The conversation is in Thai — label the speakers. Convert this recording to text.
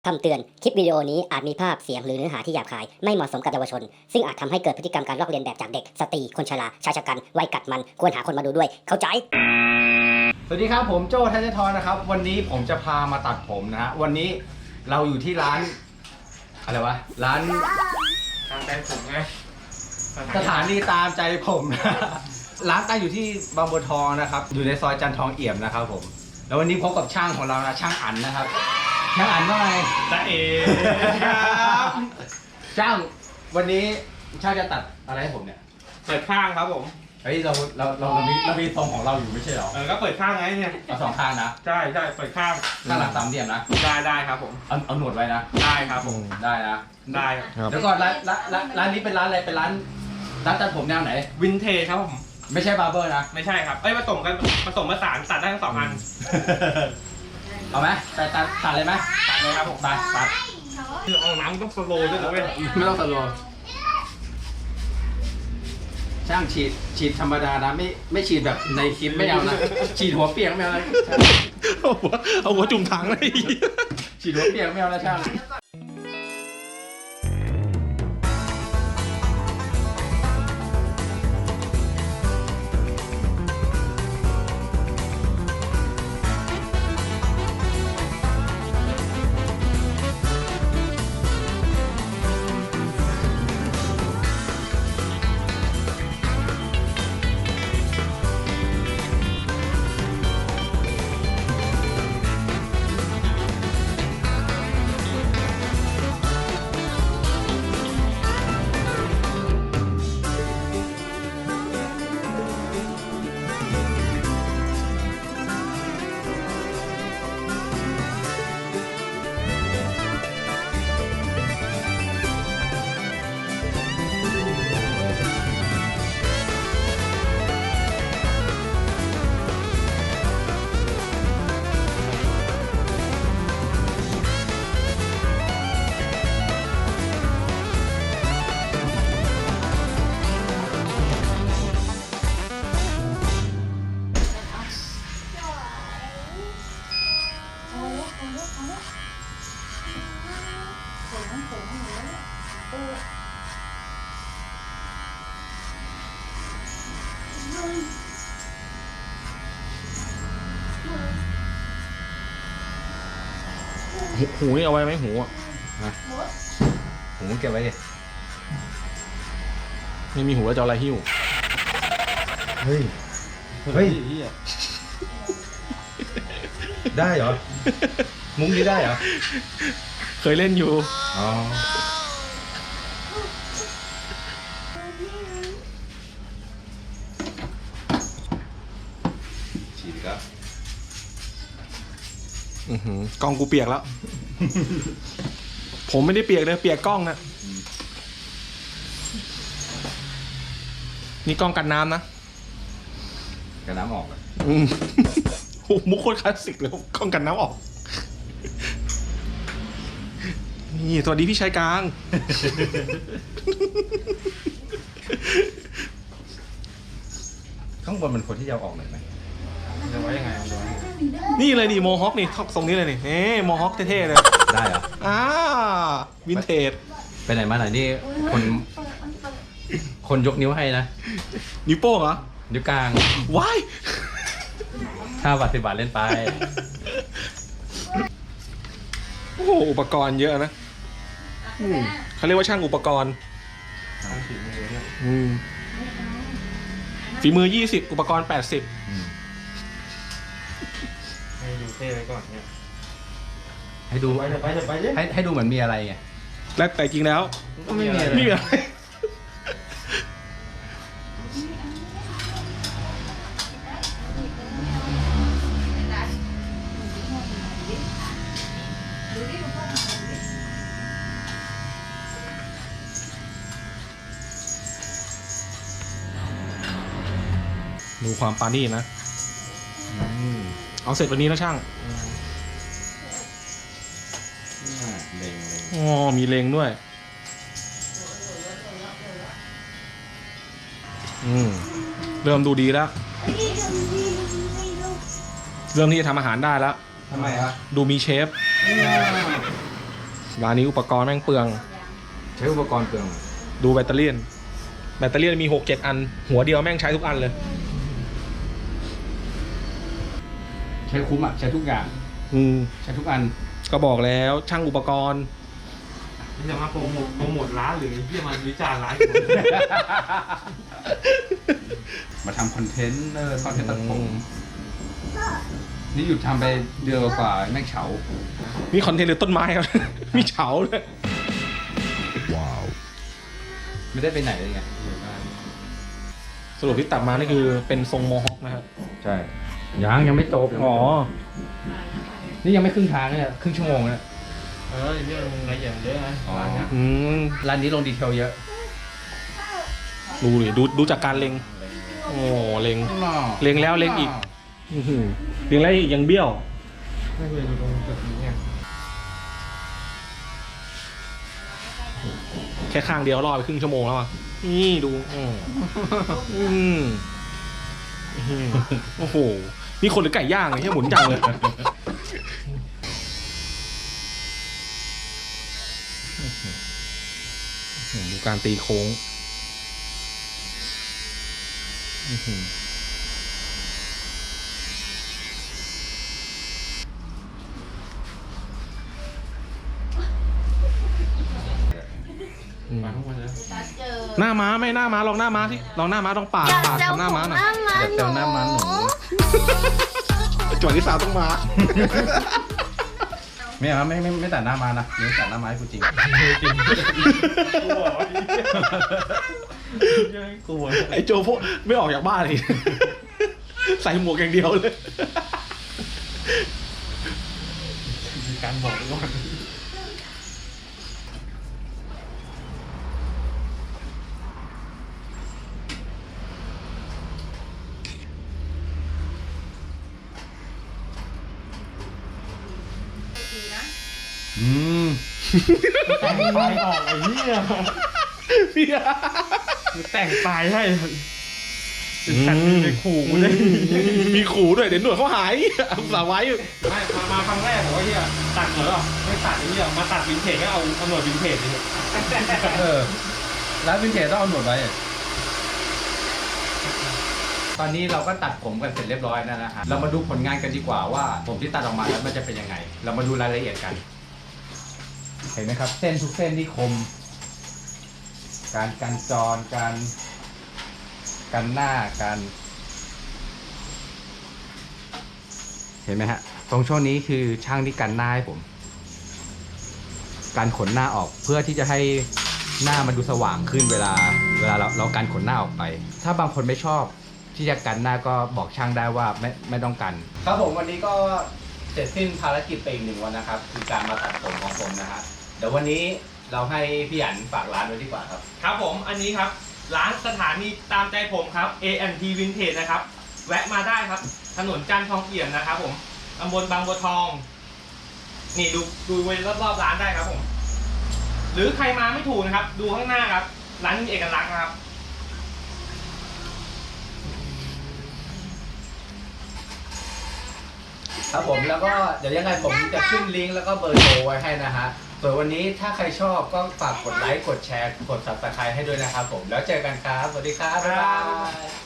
Speaker 1: คำเตือน คลิปวิดีโอนี้อาจมีภาพเสียงหรือเนื้อหาที่หยาบคายไม่เหมาะสมกับเยาวชนซึ่งอาจทำให้เกิดพฤติกรรมการลอกเลียนแบบจากเด็กสตรีคนชราชายชะกันวัยกัดมันควรหาคนมาดูด้วยเข้าใจ
Speaker 2: สวัสดีครับผมโจ้ทัชทรนะครับวันนี้ผมจะพามาตัดผมนะฮะวันนี้เราอยู่ที่ร้านอะไรวะร้าน
Speaker 3: ตามใจผมไง
Speaker 2: สถานีตามใจผมนะร้านตั้งอยู่ที่บางบัวทองนะครับอยู่ในซอยจันทองเอี่ยมนะครับผมแล้ววันนี้พบกับช่างของเรานะช่างอั๋นนะครับช่างอั๋นว่าไง
Speaker 3: ตาเอ๋ครับ
Speaker 2: ช่างวันนี้ช่างจะตัดอะไรให้ผมเนี่ย
Speaker 3: เปิดข้างครับผม
Speaker 2: เฮ้ยเรามีทรงของเราอยู่ไม่ใช่เหรอ
Speaker 3: ก็เปิดข้างไงเนี่ย
Speaker 2: เอาสองข้างนะ
Speaker 3: ใช่เปิดข้าง
Speaker 2: ข้างหลังสามเหลี่ยมนะ
Speaker 3: ได้ครับผม
Speaker 2: เอาหนวดไว้นะ
Speaker 3: ได้ครับผม
Speaker 2: ได้นะ
Speaker 3: ได้
Speaker 2: เดี๋ยวก่อนร้านนี้เป็นร้านอะไรเป็นร้านตัดผมแนวไหน
Speaker 3: วินเทจครับผม
Speaker 2: ไม่ใช่บาร์เบอร์นะ
Speaker 3: ไม่ใช่ครับผสมผสานตัดได้ทั้งสองอัน
Speaker 2: เอาไหมตัดเลยไหม
Speaker 3: ตัดเลยครับผม
Speaker 2: ตัด
Speaker 3: คือเอาน้ำต้องสโลว์ด้วยนะเว้ย
Speaker 2: ไม่ต้องสโลว์ช่างฉีดธรรมดานะไม่ฉีดแบบในคลิปไม่เอานะฉีดหัวเปียกไม่เอานะ
Speaker 4: เอาหัวจุ่มถังเลย
Speaker 2: ฉีดหัวเปียกไม่เอานะช่าง
Speaker 4: หูนี่เอาไว้ไหมหูอ่ะ
Speaker 2: ผมเก็บไว้ดิ
Speaker 4: ไม่มีหูแล้วจะเอาอะไรหิ้ว
Speaker 2: เฮ้ยได้เหรอมุ้งนี้ได้เหรอ
Speaker 4: เคยเล่นอยู่
Speaker 2: อ๋อฉีดครับ
Speaker 4: กล้องกูเปียกแล้ว ผมไม่ได้เปียกเลยเปียกกล้องนะนี่กล้องกันน้ำนะ
Speaker 2: กระน้ำออกเลย
Speaker 4: โอ้มุกโคตรคลาสสิกเลยกล้องกันน้ำออกนี่สวัสดีพี่ชายกลาง
Speaker 2: ข้างบนมันควรที่จะเอาออกหน่อยไหม
Speaker 3: จะไว้ยังไง
Speaker 4: นี่เลยนี่โมฮอคนี่ทรงนี้เลยนี่โมฮอคเท่ๆเลย
Speaker 2: ได้เหรอ
Speaker 4: วินเทจ
Speaker 2: ไปไหนมาไหนนี่คนยกนิ้วให้นะ
Speaker 4: นิ้วโป้งเหรอ
Speaker 2: นิ้วกลาง
Speaker 4: ว้าย
Speaker 2: 5 บาท 10 บาทเล่นไป
Speaker 4: โอ้โหอุปกรณ์เยอะนะเขาเรียกว่าช่างอุปกรณ์ฝีมือ20อุปกรณ์80
Speaker 3: ให้ดูเท่ไว้ก่อนเนี่ย
Speaker 2: ให้ดู
Speaker 3: ไปเลย
Speaker 2: ให้ดูเหมือนมีอะไรไง
Speaker 4: และแต่จริงแล้ว
Speaker 2: ก็ไม่มีอะไร
Speaker 4: ไม่มีอะไรดูความปานี่นะเอาเสร็จวันนี้แล้วช่าง
Speaker 2: เล็ง
Speaker 4: อ๋อมีเลงด้วยเริ่มดูดีแล้ว เริ่มที่จะทำอาหารได้แล้ว
Speaker 2: ทำไมครับ
Speaker 4: ดูมีเชฟร้านนี้อุปกรณ์แม่งเปลือง
Speaker 2: ใช้อุปกรณ์เปลือง
Speaker 4: ดูแบตเตอรี่มี 6-7 อัน หัวเดียวแม่งใช้ทุกอันเลย
Speaker 2: ใช้คุ้มอ่ะใช้ทุกอย่าง
Speaker 4: อืม
Speaker 2: ใช้ทุกอัน
Speaker 4: ก็บอกแล้วช่างอุปกรณ์
Speaker 3: นี่จะมาโปรโมทร้านหรือที่จะมาวิจารณ์ร้าน
Speaker 2: มาทำคอนเทนต์คอนเทนต์ตัดผมนี่หยุดทำไปเดือนกว่าแม่งเฉา
Speaker 4: นี่คอนเทนต์หรือต้นไม้ครับ มีเฉาเลย
Speaker 2: ไม่ได้ไปไหนเลยไง
Speaker 4: สรุปที่ตัดมานี่คือเป็นทรงโมฮอคนะครับ
Speaker 2: ใช่ยังไม่จบ
Speaker 4: อ๋อ
Speaker 2: นี่ยังไม่ครึ่งทางเนี่ยครึ่งชั่วโมงเนี่ย
Speaker 3: เรื่องละเอียดเยอะนะร้านเนี้ย
Speaker 4: อืม
Speaker 2: ร้านนี้ลงดีเทลเยอะ
Speaker 4: ดูดิดูจากการเล็ง โอ้เล็ง เล็งแล้วเล็งอีก อื้อหือเล็งแล้วอีกยังเบี้ยว
Speaker 3: ไม่เคยดูตรงจุดนี้เนี่ย
Speaker 4: แค่ข้างเดียวรอไปครึ่งชั่วโมงแล้วอ่ะ นี่ดูโอ้โห นี่คนหรือไก่ย่างเลยที่หมุนจังเลย ดูการตีโค้ง
Speaker 3: มาทุกคนเลย
Speaker 4: หน้าม้าไม่หน้าม้าลองหน้าม้าที่ลองหน้าม้าต้องปาดทำหน้าม้าหน่อย
Speaker 2: เดี๋ยวเซลหน้ามันหนู
Speaker 4: จังหวะที่สาวต้องมา
Speaker 2: ไม่เอาไม่ตัดหน้ามานะเดี๋ยวตัดหน้าไม้กูจริง
Speaker 3: กลัวกลัว
Speaker 4: ไอ้โจพวกไม่ออกจากบ้านเลย ใส่หมวกอย่างเดียวเลย
Speaker 3: มีการบอกก่อน
Speaker 2: อืม
Speaker 3: แต่งปลายออกไอ้เหี้ยแต่งปลายให้เป็นสัตว์ในขู่กูเลย
Speaker 4: มีขู่ด้วยเดี๋ยวหนวดเขาหายเอาสาไว้
Speaker 3: ไม่มาครั้งแรกผมว่าเหี้ยตัดเหรอไม่ตัดไอ้เหี้ยมาตัดวินเทจก็เอาหนวดวินเทจเลย
Speaker 2: ร้านวินเทจต้องเอาหนวดไว้ตอนนี้เราก็ตัดผมกันเสร็จเรียบร้อยแล้วนะฮะเรามาดูผลงานกันดีกว่าว่าผมที่ตัดออกมาแล้วมันจะเป็นยังไง เรามาดูรายละเอียดกัน เห็นไหมครับ เส้นทุกเส้นที่คม การจรการหน้าการเห็นไหมฮะตรงช่วงนี้คือช่างที่กันหน้าให้ผม การขนหน้าออกเพื่อที่จะให้หน้ามันดูสว่างขึ้นเวลาเราการขนหน้าออกไป ถ้าบางคนไม่ชอบที่จะกันหน้าก็บอกช่างได้ว่าไม่ต้องกัน ครับผมวันนี้ก็เสร็จสิ้นภารกิจไปอีก1 วันนะครับคือการมาตัดผมของผมนะฮะเดี๋ยววันนี้เราให้พี่หยันฝากร้านไว้ดีกว่าครับ
Speaker 3: ครับผมอันนี้ครับร้านสถานีตามใจผมครับ A&T Vintage นะครับแวะมาได้ครับถนนจันทร์ทองเอี่ยมนะครับผมตำบลบางบัวทองนี่ดูเวรอบๆร้านได้ครับผมหรือใครมาไม่ถูกนะครับดูข้างหน้าครับร้านมีเอกลักษณ์นะครับ
Speaker 2: ครับผมแล้วก็เดี๋ยวยังไงผมจะขึ้นลิงก์แล้วก็เบอร์โทรไว้ให้นะฮะส่วนวันนี้ถ้าใครชอบก็ฝากกดไลค์กดแชร์กด Subscribe ให้ด้วยนะครับผมแล้วเจอกันครับสวัสดีครับบ๊ายบาย